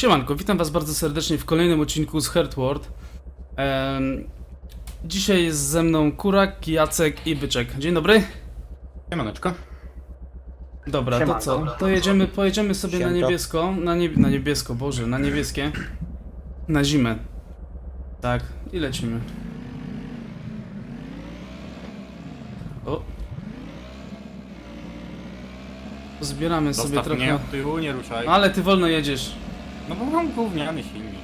Siemanko, witam was bardzo serdecznie w kolejnym odcinku z Heartward. Dzisiaj jest ze mną Kurak, Jacek i Byczek. Dzień dobry. Siemaneczko. Dobra, to co? To pojedziemy sobie na niebiesko, na niebiesko, Boże, na niebieskie. Na zimę. Tak, i lecimy. O. Zbieramy sobie Zostaw trochę. mnie od tyłu, nie ruszaj. Ale ty wolno jedziesz. No bo mam gówniany silnik.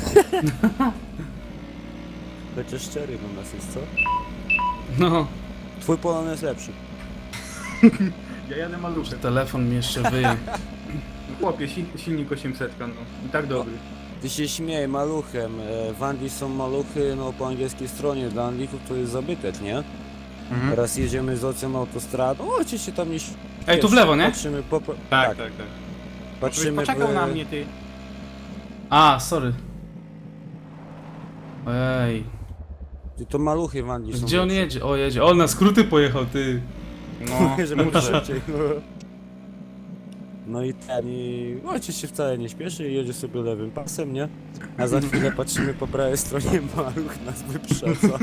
Chociaż szczery u nas jest, co? No, Twój Polon jest lepszy. Ja jadę maluszek. telefon mi jeszcze wyje. No chłopie, silnik 800, no. I tak dobry. Ty się śmieje maluchem. W Anglii są maluchy, no po angielskiej stronie. Dla Anglików to jest zabytek, nie? Teraz jedziemy z Ocem autostradą. Oczywiście tam nie śpieszy. Ej, tu w lewo, nie? Patrzymy po... Tak. Patrzymy Poczekał na mnie, ty. A, sorry. Ej, Ty to maluchy w Anglii są gdzie on lepsze. jedzie? O, jedzie. O, na skróty pojechał, ty. No, Żeby muszę. szybciej. No i ten, i ojciec się wcale nie śpieszy i jedzie sobie lewym pasem, nie? A za chwilę patrzymy po prawej stronie, maluch nas wyprzedza.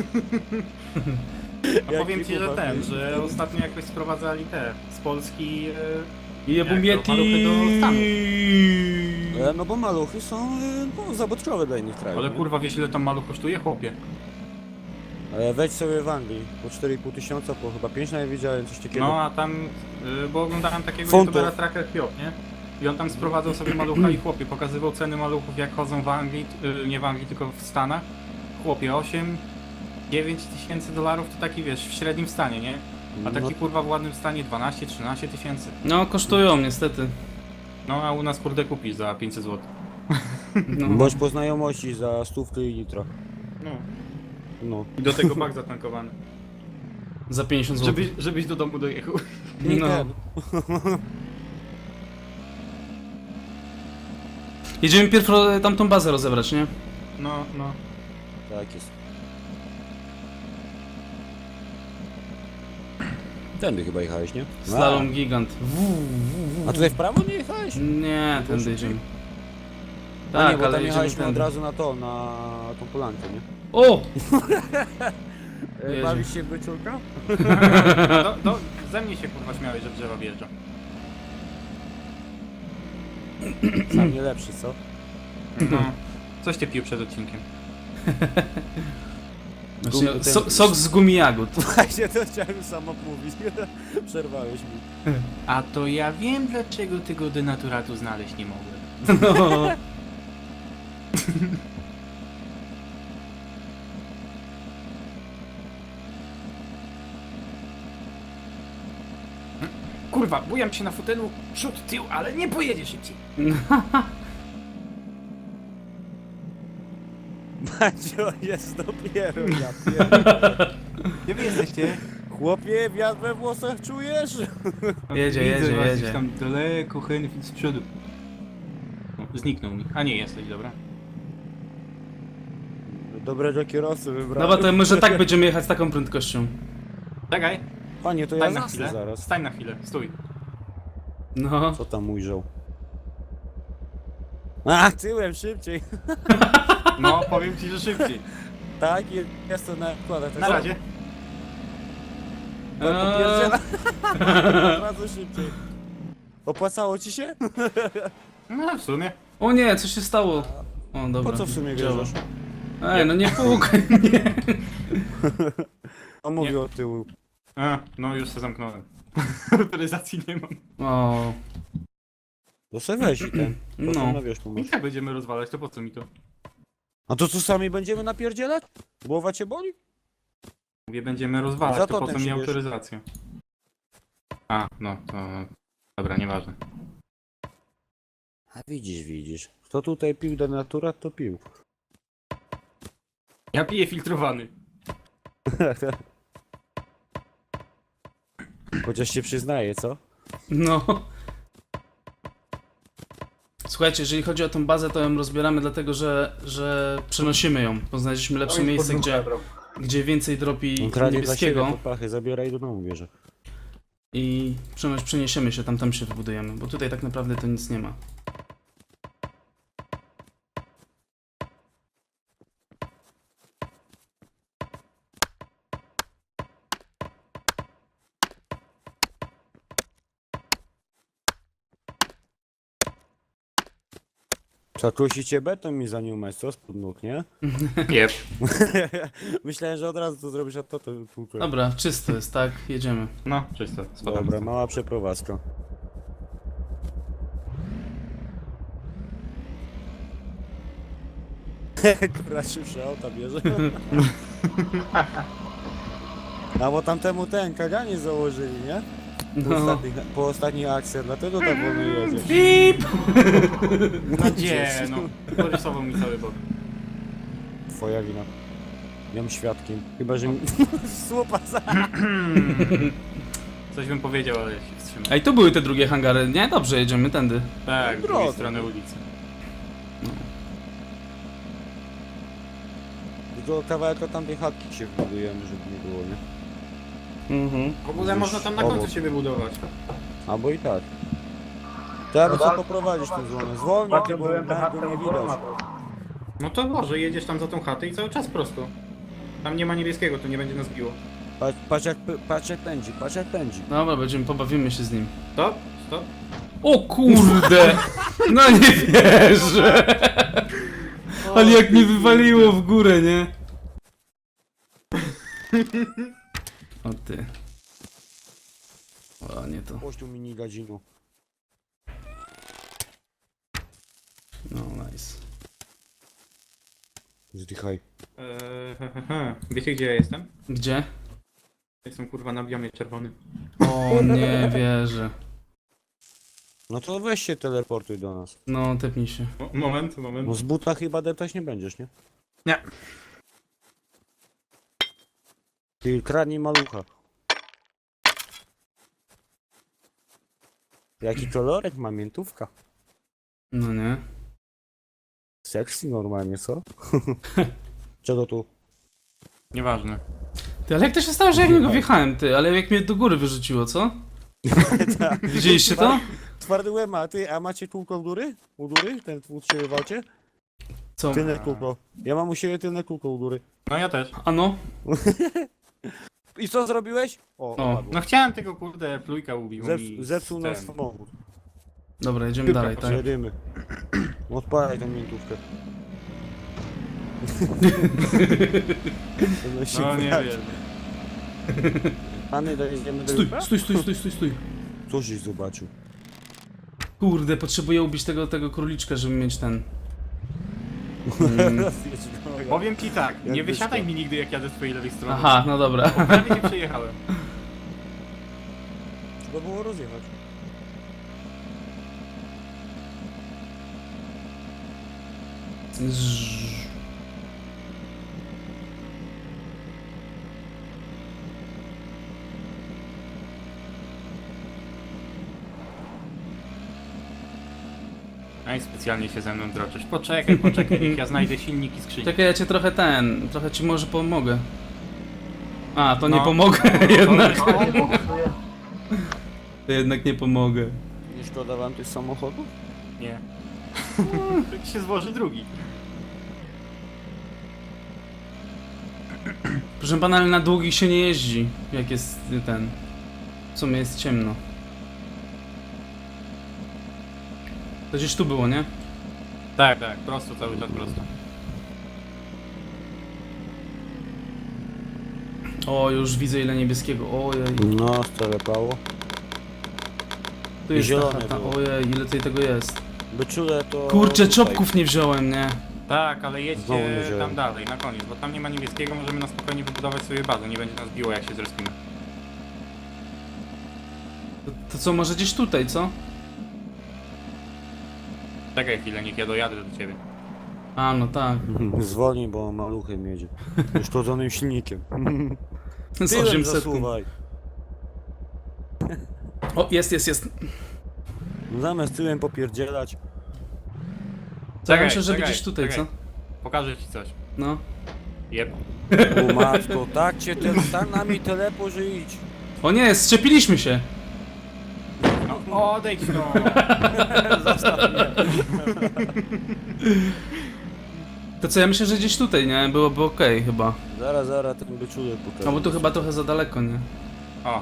A powiem Jaki ci, że chłopak. że ostatnio jakoś sprowadzali te z Polski... Jebu Jak to? Maluchy do Stanów. No bo maluchy są no, zabawkowe dla innych krajów. Ale nie? kurwa, wiesz ile tam maluch kosztuje, chłopie? Wejdź sobie w Anglii, po 4,5 tysiąca, po chyba 5 nawet widziałem, coś takiego. No a tam, bo oglądałem takiego Funtów. youtubera Tracker Pio, nie? I on tam sprowadzał sobie malucha i chłopie, pokazywał ceny maluchów jak chodzą w Anglii, nie w Anglii, tylko w Stanach. Chłopie, 9 tysięcy dolarów to taki, wiesz, w średnim stanie, nie? A taki No, kurwa w ładnym stanie 12-13 tysięcy. No, kosztują niestety. No a u nas kurde kupisz za 500 zł. No. bądź po znajomości za stówkę i nitro. No. No. I do tego bak zatankowany. Za 50 zł. Żebyś do domu dojechał. No. ten. Jedziemy pierw tamtą bazę rozebrać, nie? No. Tak jest. Tędy chyba jechałeś, nie? Slalom gigant. A tutaj w prawo nie jechałeś? Nie, tędy jedziemy. A Tak, nie, bo ale tam jedziemy jechaliśmy od tędy. razu na to, na tą polankę, nie? O! Jedzie. Bawisz się w wyczulka? Ze mnie się kurwa śmiałeś, że drzewa wjeżdżą. Sam nie lepszy, co? No. Coś ty pił przed odcinkiem. Właśnie, Ten- sok z gumi jagód. Właśnie to chciałem sam mówić. Przerwałeś mi. A to ja wiem, dlaczego tego denaturatu znaleźć nie mogłem. No. Kurwa, bujam się na fotelu, przód, tył, ale nie pojedzie szybciej. Macio jest dopiero, ja pierdolę. Gdzie wy jesteście? Chłopie, wiatr we włosach czujesz? Jedzie. Gdzieś tam daleko, Henfit z przodu. No, zniknął mi. A nie, jesteś, dobra. Dobrego kierowcę wybrałem. Dobra, to może tak będziemy jechać z taką prędkością. Czekaj, Panie, to ja stań na zasnę chwilę. zaraz. Stań na chwilę, stój. No. Co tam ujrzał? A, tyłem szybciej. No, powiem ci, że szybciej. Tak, jest to na kładę. Na razie. Popierdziela. Bardzo szybciej. Opłacało ci się? No, w sumie. O nie, co się stało? O, dobra. Po co w sumie działa. wierzysz? Ej, no nie płukaj mnie. On mówi o tyłu. A, no już się zamknąłem. Autoryzacji nie mam. O, To se weź i ten. No. Potem na wiesz I pomóż. tak będziemy rozwalać, to po co mi to? A to co, sami będziemy napierdzielać? Głowa cię boli? Mówię, będziemy rozwalać, Za to to po ten co mi się bierze. autoryzacja? A, no to... Dobra, nieważne. A widzisz. Kto tutaj pił denaturat, to pił. Ja piję filtrowany. Chociaż się przyznaje, co? no. Słuchajcie, jeżeli chodzi o tą bazę, to ją rozbieramy dlatego, że przenosimy ją, bo znaleźliśmy lepsze miejsce, gdzie więcej dropi On kradnie dla siebie niebieskiego popachy, zabiera i do domu bierze. i przeniesiemy się, tam się wybudujemy, bo tutaj tak naprawdę to nic nie ma. Co, kusicie beton mi zaniumać, co? Spod nóg, nie? Jep. Myślałem, że od razu to zrobisz, a to tłukę. Dobra, czysto jest, tak? Jedziemy. No, czysto, spadamy. Dobra, mała przeprowadzka. Która szybsza auta bierze. A bo tamtemu ten kaganie założyli, nie? No. Po ostatnich akcjach, dlatego tak wolno jedzie. Pip! No gdzie, no. Porysował mi cały bok. Twoja wina. Miałem świadkiem. Chyba, że mi... Słupa za... Coś bym powiedział, ale się wstrzymał. Ej, tu były te drugie hangary, nie? Dobrze, jedziemy tędy. Tak, z Drodzy. drugiej strony ulicy. Do kawałka tamtej chatki się budujemy, żeby nie było, nie? W ogóle można tam na końcu się wybudować. Albo i tak. Teraz co poprowadzić tę złomę? Zwolnij, bo banku nie widać. No to może, jedziesz tam za tą chatę i cały czas prosto. Tam nie ma niebieskiego, to nie będzie nas biło. Patrz jak pędzi, patrz jak pędzi. Dobra, pobawimy się z nim. Stop, stop. O kurde! No nie wierzę! Ale jak mnie wywaliło w górę, nie? O ty. O, nie to. Chodź tu mini gadzinu. No, nice. Zdychaj. Wiecie gdzie ja jestem? Gdzie? Jestem kurwa na biomie czerwonym. O, nie wierzę. No to weź się teleportuj do nas. No, tepnij się. Moment. No z buta chyba deptać nie będziesz, nie? Nie. Ty kradnij malucha. Jaki kolorek ma miętówka? No nie. Sexy normalnie, co? Czego tu? Nieważne. Ty, ale jak to się stało, że ja w niego wjechałem, ty? Ale jak mnie do góry wyrzuciło, co? Widzieliście to? Twardy łeb ma, ty, a macie kółko u góry? U góry? Ten u ciebie walcie? Co? Tylne kółko. Ja mam u siebie tylne kółko u góry. No ja też. Ano? I co zrobiłeś? O, O. padło. No chciałem tego kurde plujka ubił mi. Zepsuł nas ten. samochód. Dobra, jedziemy dalej, tak? Jedziemy. Odpalaj tą miętówkę. No nie wiem. Pany, dojedziemy do Stój, jutra? stój. Co żeś zobaczył? Kurde, potrzebuję ubić tego króliczka, żeby mieć ten... Powiem ci tak, nie Jak wysiadaj wyszło. mi nigdy jak jadę z twojej lewej strony. Aha, no dobra. Prawie nie przejechałem. Trzeba było rozjechać. Zzz. No i specjalnie się ze mną droczysz. Poczekaj, niech ja znajdę silnik i skrzynię. Czekaj, ja cię trochę ci może pomogę. A, to nie No. pomogę jednak. To jednak nie pomogę. Nie szkoda wam tych samochodów? Nie. Tak się złoży drugi. Proszę pana, ale na długich się nie jeździ, jak jest ten... W sumie jest ciemno. To gdzieś tu było, nie? Tak, prosto, cały czas prosto. O, już widzę ile niebieskiego. Ojej. No, stelepało. Tu jest ta zielone chata. było. Ojej, ile tutaj tego jest. Byczule to... Kurczę, tutaj. czopków nie wziąłem, nie? Tak, ale Znowu nie jedźcie wziąłem. tam dalej, na koniec, bo tam nie ma niebieskiego, możemy na spokojnie wybudować sobie bazę, nie będzie nas biło jak się zrespimy. To co, może gdzieś tutaj, co? Czekaj chwilę, niech ja dojadę do ciebie. A, no tak. Zwolnij, bo maluchem jedzie. Uszkodzonym silnikiem. Z Tyłem 800. zasuwaj. O, jest. Zamiast tyłem popierdzielać. Co, ja Czekaj, myślę, że czekaj, gdzieś tutaj, czekaj. co? Pokażę ci coś. No. Jeb. O matko, tak cię tak nami telepo, że idź. O nie, szczepiliśmy się. No, odejdź no! To co, ja myślę, że gdzieś tutaj, nie? Byłoby okej chyba. Zaraz, ten byczulek pokaże. No bo tu chyba trochę za daleko, nie?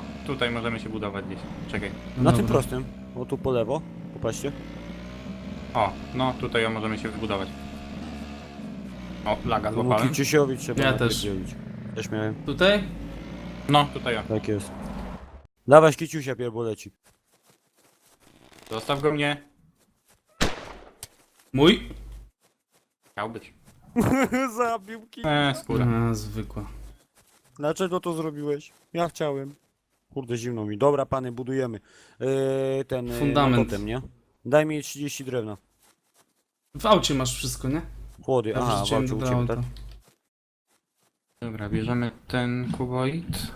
O, tutaj możemy się budować gdzieś. Czekaj. No Na tym dobra. prostym. O tu po lewo. Popatrzcie. O, no tutaj możemy się wybudować. O, laga No złapałem. Kiciusiowi trzeba Ja też. napierdzielić. Też miałem. Tutaj? No, tutaj ja. Tak jest. Dawaj Kiciusia pierboleci. Zostaw go mnie. Mój? Chciał być. Zabił Skóra. A, zwykła. Dlaczego to zrobiłeś? Ja chciałem. Kurde, zimno mi. Dobra, pany, budujemy. Ten Fundament. totem, nie? Daj mi 30 drewna. W aucie masz wszystko, nie? Chłody, Ja aha, wrzuciłem walczył do u ciebie, auta. tak? Dobra, bierzemy ten kuboid.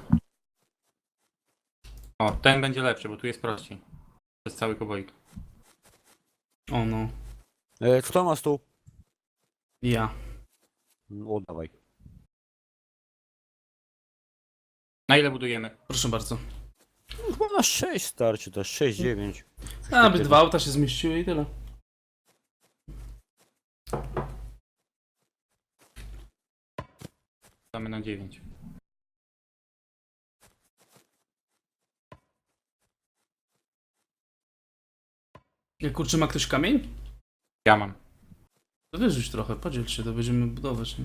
O, ten będzie lepszy, bo tu jest prościej. To jest cały kuboid. O no. Kto ma stół? Ja. O, dawaj. Na ile budujemy? Proszę bardzo. Chyba na 6 starczy, to 6, 9. Aby 2 auta się zmieściły i tyle. Damy na 9. Jak kurczę, ma ktoś kamień? Ja mam. To wyrzuć trochę, podziel się, to będziemy budować, nie?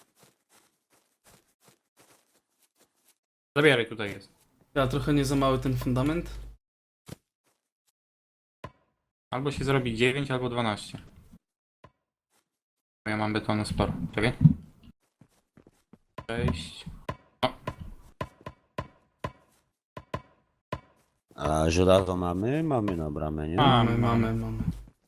Zabieraj, tutaj jest. Ja trochę nie za mały ten fundament. Albo się zrobi 9, albo 12. Bo ja mam betonu sporo. Czekaj. 6. A żelazo mamy? Mamy na bramę, nie? Mamy.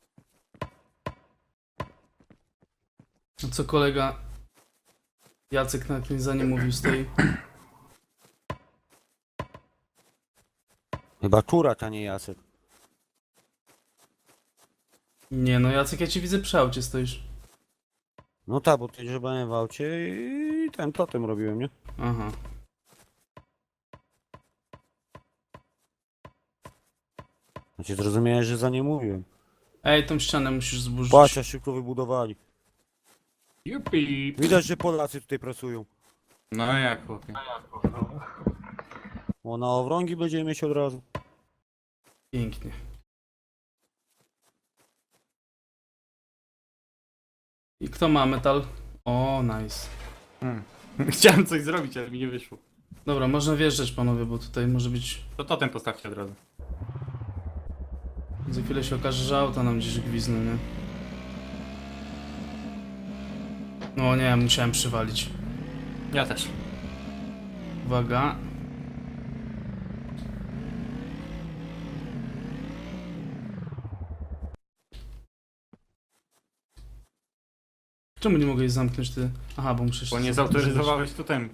A co kolega Jacek na jakimś zdanie mówił z tej... Chyba kurat, a nie Jacek. Nie no, Jacek, ja cię widzę przy aucie stoisz. No tak, bo tutaj grzebałem w aucie i ten totem robiłem, nie? Aha. Znaczy zrozumiałem, że za nie mówiłem. Ej, tą ścianę musisz zburzyć. Patrz, jak szybko wybudowali. Jupi. Widać, że Polacy tutaj pracują. No jak chłopie. O, na owrągi będziemy mieć od razu. Pięknie. I kto ma metal? O, nice. Chciałem coś zrobić, ale mi nie wyszło. Dobra, można wjeżdżać panowie, bo tutaj może być... To totem postawcie od razu. Za chwilę się okaże, że auta nam gdzieś gwizną, nie? No nie, musiałem przywalić. Ja też. Uwaga. Czemu nie mogę jej zamknąć ty? Aha, bo muszę się... Bo nie zautoryzowałeś totem.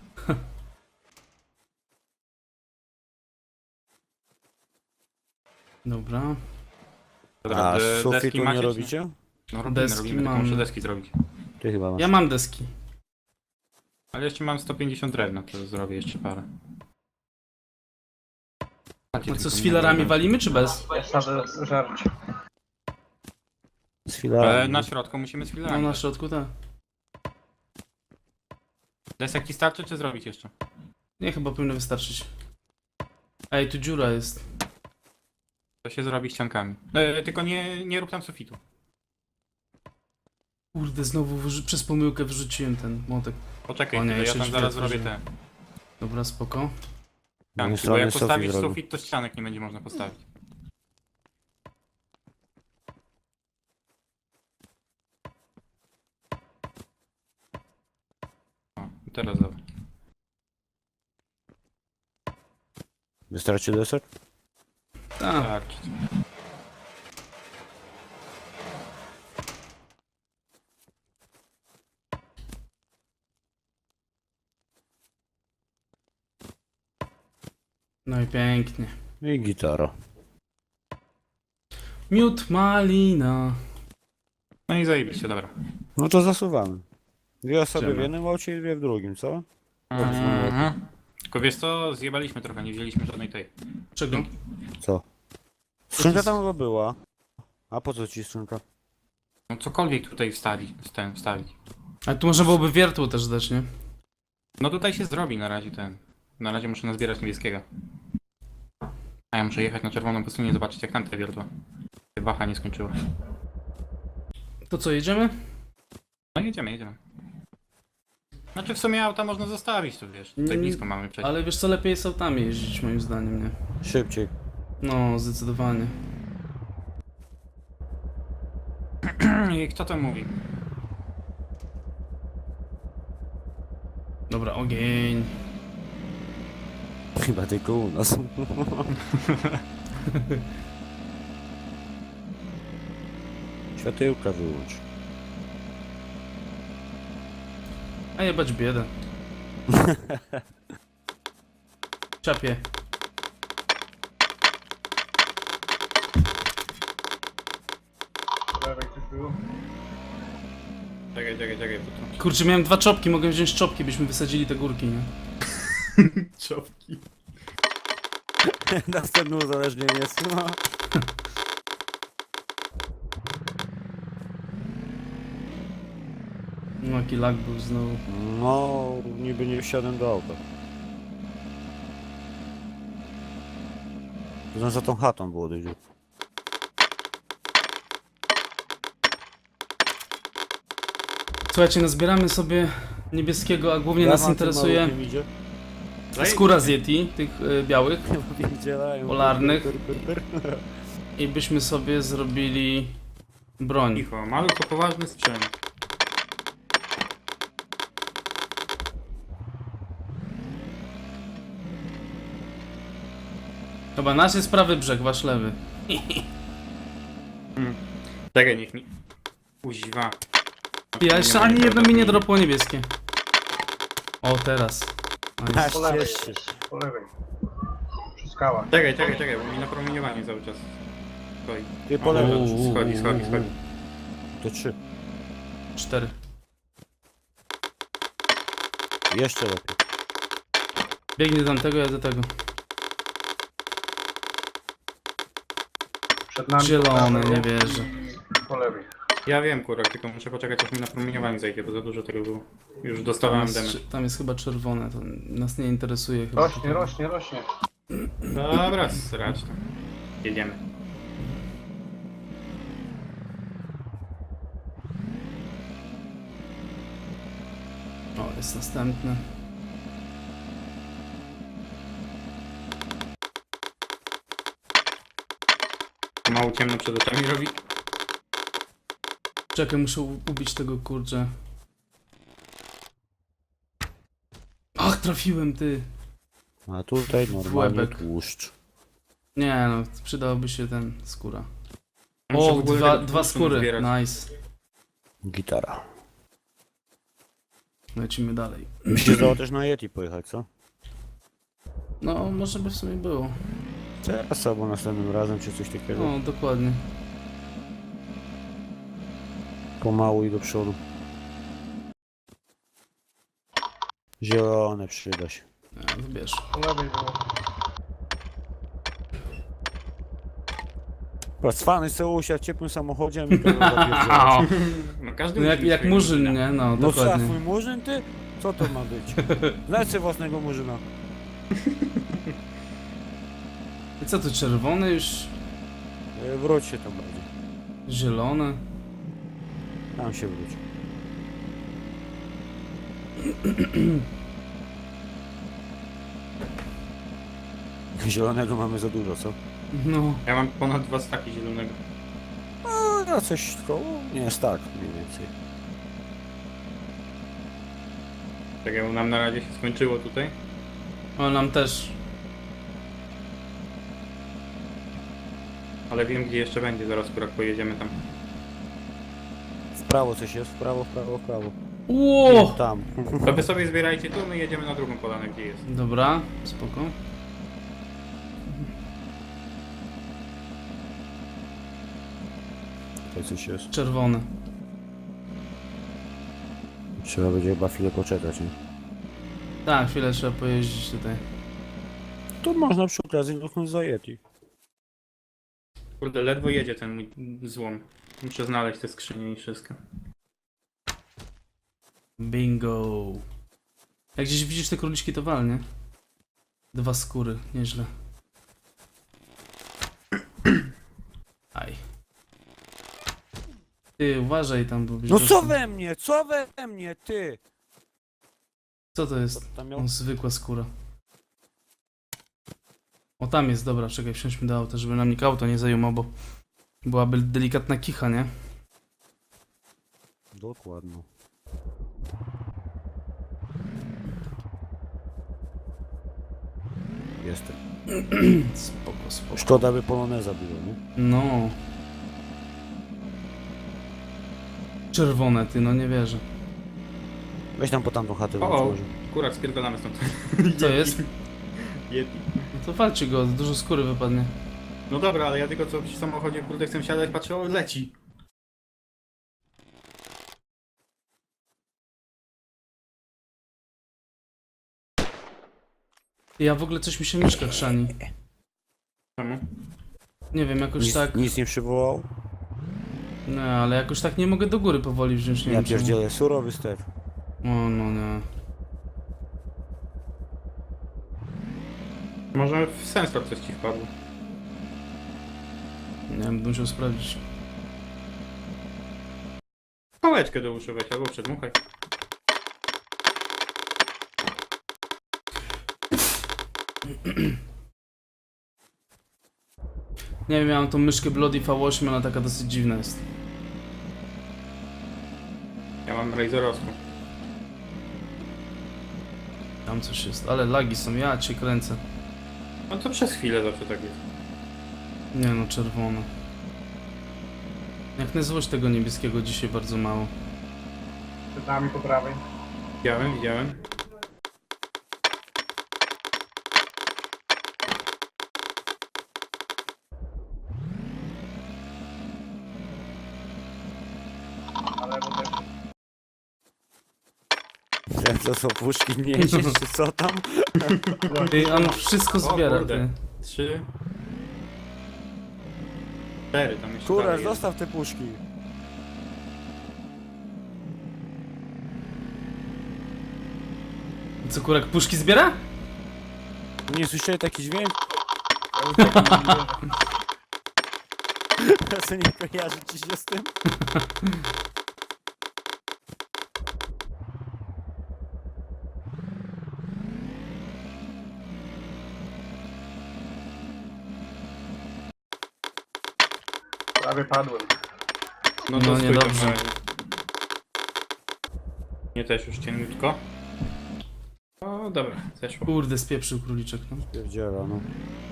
Dobra. Dobra, A deski sufitu nie macie, czy robicie? No robimy, Deski robimy, tylko mam. muszę deski zrobić. Ty chyba masz. Ja mam deski. Ale jeszcze mam 150 drewna, to zrobię jeszcze parę. No co, z filarami walimy czy bez? Ja sadzę żarcie. Z filarami. Na środku musimy z No filarami. na środku, tak. Desek ci starczy, czy zrobić jeszcze? Nie, chyba powinno wystarczyć. Ej, tu dziura jest. To się zrobi ściankami. Tylko nie rób tam sufitu. Kurde, znowu przez pomyłkę wyrzuciłem ten młotek. Poczekaj, O nie, chwilę, ja jeszcze tam drzwi zaraz zrobię otworzyłem. te Dobra, spoko. Moim ścianki, bo jak sufit postawisz zrobił. sufit, to ścianek nie będzie można postawić. O, i teraz dobra. Wystarczy deser? Tak. Tak. No i pięknie. I gitara. Miód malina. No i zajebiście, dobra. No to zasuwamy. Dwie osoby w Idziemy. jednym aucie i dwie w drugim, co? Tylko wiesz co, zjebaliśmy trochę, nie wzięliśmy żadnej tej. Czego? Co? Skrzynka tam chyba była. A po co ci skrzynka? No cokolwiek tutaj wstawić. Ale tu można byłoby wiertło też dać, nie? No tutaj się zrobi na razie ten. Na razie muszę nazbierać niebieskiego. A ja muszę jechać na czerwoną pustynię, zobaczyć jak tam te wiertła. Wacha nie skończyła. To co, jedziemy? No jedziemy. Znaczy w sumie auta można zostawić, tu wiesz, tutaj blisko mamy przejść. Ale wiesz co, lepiej jest autami jeździć moim zdaniem, nie? Szybciej. No, zdecydowanie. I kto to mówi? Dobra, ogień. Chyba tylko u nas. Światełka wyłącz. A jebać biedę. Czapie. Czekaj, bo to... Kurczę, miałem 2 czopki, mogę wziąć czopki, byśmy wysadzili te górki, nie? Czopki. Następne uzależnienie jest. No. No, jaki lag był znowu. No, niby nie wsiadłem do auta. To za tą chatą było dość. Słuchajcie, nazbieramy sobie niebieskiego, a głównie nas interesuje skóra z Yeti, tych białych, polarnych. I byśmy sobie zrobili broń. Cicho, maluch to poważny sprzęt. Chyba nasz jest prawy brzeg, wasz lewy. Czekaj, niech mi... Kuźwa. Ja jeszcze ani jedno mi nie dropło niebieskie. O, teraz. Nice. Po lewej Ciesz się. jest, po lewej. Przy skałach. Czekaj, bo mi na promieniowanie cały czas stoi. Ty po lewej. Schodzi. To 3. 4. Jeszcze lepiej. Biegnie do tamtego, ja do tego. Przed nami Zielone, po prawej, nie wierzę. Po lewej. Ja wiem, kurwa, tylko muszę poczekać, aż mi na promieniowanie zejdzie, bo za dużo tego było. Już dostawałem damage. Tam jest chyba czerwone, to nas nie interesuje chyba. Rośnie. Dobra, srać tam. Jedziemy. O, jest następny. Mało ciemno przed oczami robi. Czekaj, muszę ubić tego kurczę. Ach, trafiłem ty. A tutaj normalnie Łebek. tłuszcz. Nie no, przydałoby się ten skóra. Muszę w O, ogóle dwa tego skóry, zbierać. nice. Gitara. Lecimy dalej. Mi się zdało też na Yeti pojechać, co? No, może by w sumie było. Teraz albo następnym razem, czy coś takiego. No, dokładnie. Pomału i do przodu. Zielone przyda się. Ja, wybierz. Po lewej było. Cwany se usiadł w ciepłym samochodzie, a mi to zapierdziela. No każdy No, musi mieć jak swojego murzyn, murzyna. nie? No, No co, dokładnie. twój murzyn ty? Co to ma być? Znajdź sobie własnego murzyna. I co tu, czerwone już? Wróć się tam bardziej. Zielone? Tam się wróć. Zielonego mamy za dużo, co? No. Ja mam ponad 2 staki zielonego. No coś koło? Nie jest tak, mniej więcej. Tak jak nam na razie się skończyło tutaj. O, nam też. Ale wiem gdzie jeszcze będzie, zaraz akurat pojedziemy tam. W prawo coś jest, w prawo. Ło! Tam. To wy sobie zbierajcie tu, my jedziemy na drugą polanę gdzie jest. Dobra, spoko. Tutaj coś jest. Czerwone. Trzeba będzie chyba chwilę poczekać, nie? Tak, chwilę trzeba pojeździć tutaj. To można przy okazji dotknąć za Yeti. Kurde, ledwo jedzie ten mój złom. Muszę znaleźć te skrzynie i wszystko. Bingo. Jak gdzieś widzisz te króliczki, to wal, nie? 2 skóry, nieźle. Aj. Ty, uważaj tam, bo... No co we mnie, ty? Co to jest? Tam miał... O, zwykła skóra. O, tam jest, dobra, czekaj, wsiądźmy do auta, żeby nam nikt auto nie zajmował, bo byłaby delikatna kicha, nie? Dokładnie. Jestem. Spoko, spoko. Szkoda by poloneza było, nie? No. Czerwone, ty, no nie wierzę. Weź tam po tamtą chatę wróć O, może. kurak, spierdolamy stąd. Co jest? Yeti. No to walczy go, dużo skóry wypadnie. No dobra, ale ja tylko co przy samochodzie, kurde, chcę siadać, patrzę, o, leci. Ja w ogóle coś mi się myszka chrzani. Czemu? Nie wiem, jakoś Nic, tak... nic nie przywołał? Nie, ale jakoś tak nie mogę do góry powoli wziąć, nie Ja wiem czemu. pierdzielę, surowy ster. O, no nie. Może w sensor coś ci wpadło. Nie wiem, będę musiał sprawdzić. Pałeczkę do uszu weź, albo przedmuchaj. Nie wiem, miałem tą myszkę Bloody V8, ona taka dosyć dziwna jest. Ja mam razorowską. Tam coś jest, ale lagi są, ja cię kręcę. No to przez chwilę zawsze tak jest. Nie no, czerwone. Jak na złość tego niebieskiego dzisiaj bardzo mało. Przed nami po prawej. Widziałem, widziałem. Ale bo też Jak to są puszki niesiesz, czy co tam? Ty, on wszystko zbiera, kurde. ty. 3. 4 tam jeszcze Kurwa, dalej jest. zostaw te puszki. Co, kurak puszki zbiera? Nie słyszeli taki dźwięk? ja uciekam, nie wierzę. Co nie kojarzy ci się z tym? Prawie padłem. No No, to stój niedobrze. tam na razie. Nie też już cieniutko. O, dobra, zeszło. Kurde, spieprzył króliczek, no. Pierdziela, no.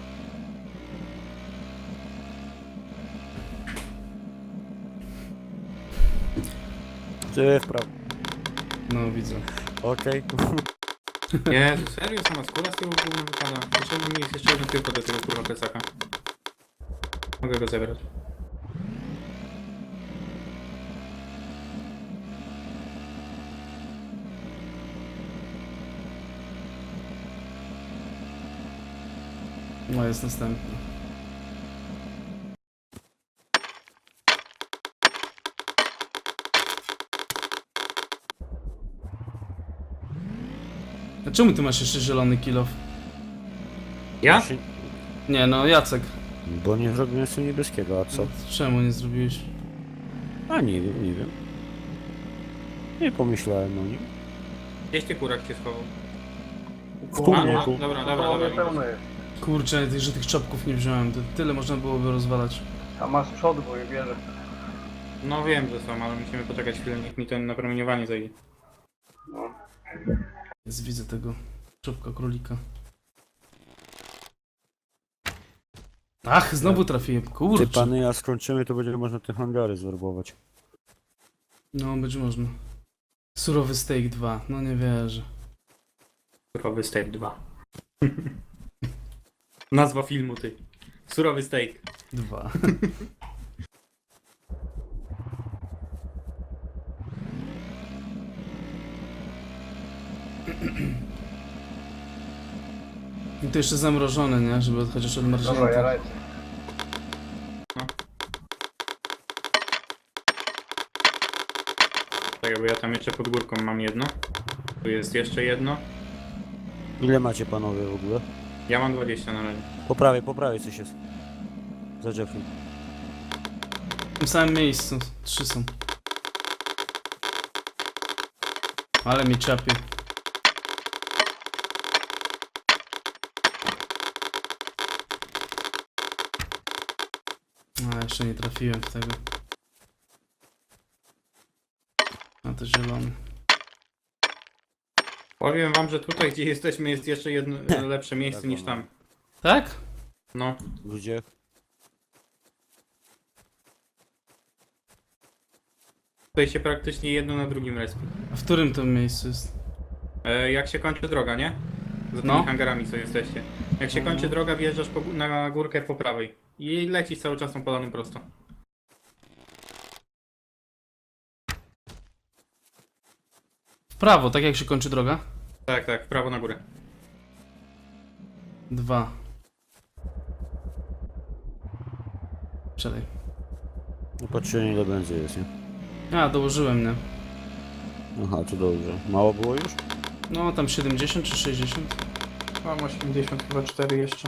Ty w prawo. No, widzę. Okej. Jezu, serio? Sama skóra z tyłu gówno wypada. Potrzebny mi jest jeszcze jeden tylko do tego kurwa plecaka. Mogę go zebrać. No, jest następny. A czemu ty masz jeszcze zielony kilof? Ja? Nie, no Jacek. Bo nie zrobiłem sobie niebieskiego, a co? Czemu nie zrobiłeś? A nie wiem, nie wiem. Nie pomyślałem o nim. Gdzieś ty kurak się schował? W kurniku. Dobra, To dobra, mnie dobra. pełno jest. Kurczę, że tych czopków nie wziąłem, to tyle można byłoby rozwalać. A ma z przodu, bo je bierze. No wiem, że są, ale musimy poczekać chwilę, niech mi ten napromieniowanie zajdzie. No. Jest, widzę tego czopka królika. Ach, znowu trafiłem, Ty kurczę. pany, a skończymy, to będzie można te hangary zwerbować. No, będzie można. Surowy steak 2, no nie wierzę. Surowy steak 2. Nazwa filmu, ty. Surowy steak. 2. I to jeszcze zamrożone, nie? Żeby chociaż Dobra, ja odmarznięte. lecę. Tak, bo ja tam jeszcze pod górką mam jedno. Tu jest jeszcze jedno. Ile macie panowie w ogóle? Ja mam 20 na razie. Po prawej coś jest. Za Jeffrey. W tym samym miejscu. 3 są. Ale mi czapie. A, jeszcze nie trafiłem w tego. A to zielony. Powiem wam, że tutaj gdzie jesteśmy jest jeszcze jedno lepsze miejsce niż tam. Tak? No. Gdzie? Tutaj się praktycznie jedno na drugim respi. A w którym to miejscu jest? Jak się kończy droga, nie? Za tymi No. hangarami co jesteście. Jak się kończy droga, wjeżdżasz na górkę po prawej. I lecisz cały czas tą polaną prosto. W prawo, tak jak się kończy droga? Tak, tak, w prawo na górę. 2. Czekaj. No patrzcie ile będzie jest, nie? A, dołożyłem, nie? Aha, to dobrze. Mało było już? No, tam 70 czy 60? Mam 80, chyba 4 jeszcze.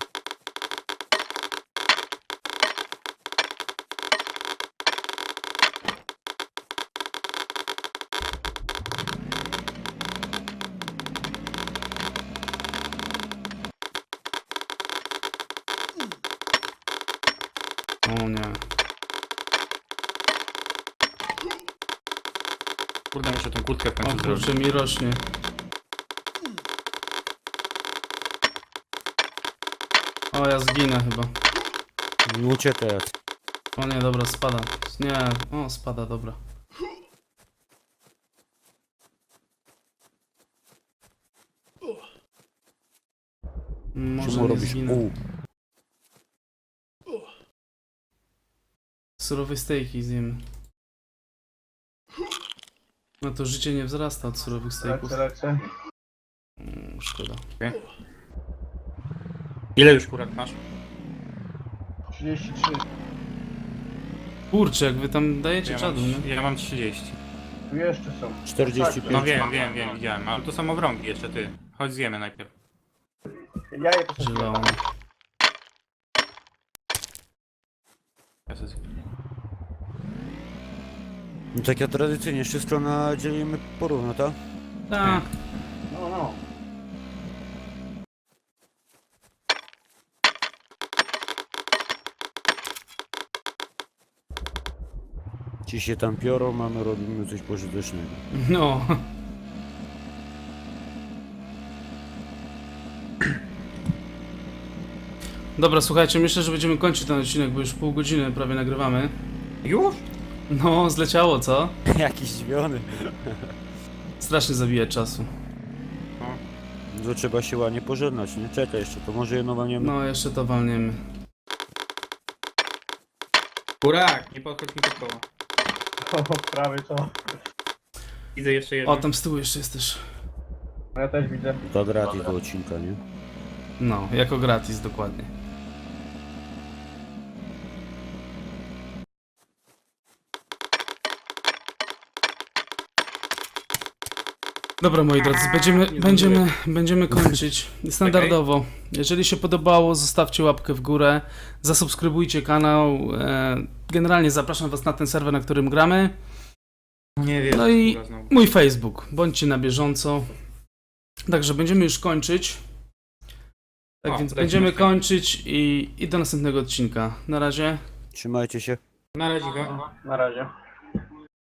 O nie. Kurde, muszę tą kurtkę w O końcu zrobić. kurczę, mi rośnie. O, ja zginę chyba. Uciekaj. O nie, dobra, spada. Nie, o, spada, dobra. Może Czemu nie robisz? zginę. Surowe stejki zjemy. No to życie nie wzrasta od surowych stejków. Lecę. Szkoda. Ile już kurat masz? 33. Kurczę, jak wy tam dajecie Ja czadu, mam, nie? ja mam 30. Tu jeszcze są. 45. No wiem, widziałem, ale to są obrągi jeszcze ty. Chodź zjemy najpierw. Ja je to sobie Zielony. Ja sobie zjem. No tak jak tradycyjnie, wszystko dzielimy porówno, tak? Tak. No, no. Ci się tam piorą, mamy robimy coś pożytecznego. No. Dobra, słuchajcie, myślę, że będziemy kończyć ten odcinek, bo już pół godziny prawie nagrywamy. Już? No, zleciało, co? Jakiś zdziwiony. Strasznie zabija czasu. To trzeba się ładnie pożegnać, nie? Czekaj jeszcze, to może jedno wam nie... No, jeszcze to walniemy. Kurak, nie podchodź mi pod koło. O, prawie co. Widzę jeszcze jedno. O, tam z tyłu jeszcze jest też. No ja też widzę. To gratis do odcinka, nie? No, jako gratis, dokładnie. Dobra, moi drodzy, będziemy kończyć standardowo. Jeżeli się podobało, zostawcie łapkę w górę, zasubskrybujcie kanał. Generalnie zapraszam was na ten serwer, na którym gramy. Nie wiem. No i kurwa, znowu. mój Facebook. Bądźcie na bieżąco. Także będziemy już kończyć. Tak O, więc lecimy będziemy w kończyć i do następnego odcinka. Na razie. Trzymajcie się. Na razie go. Na razie.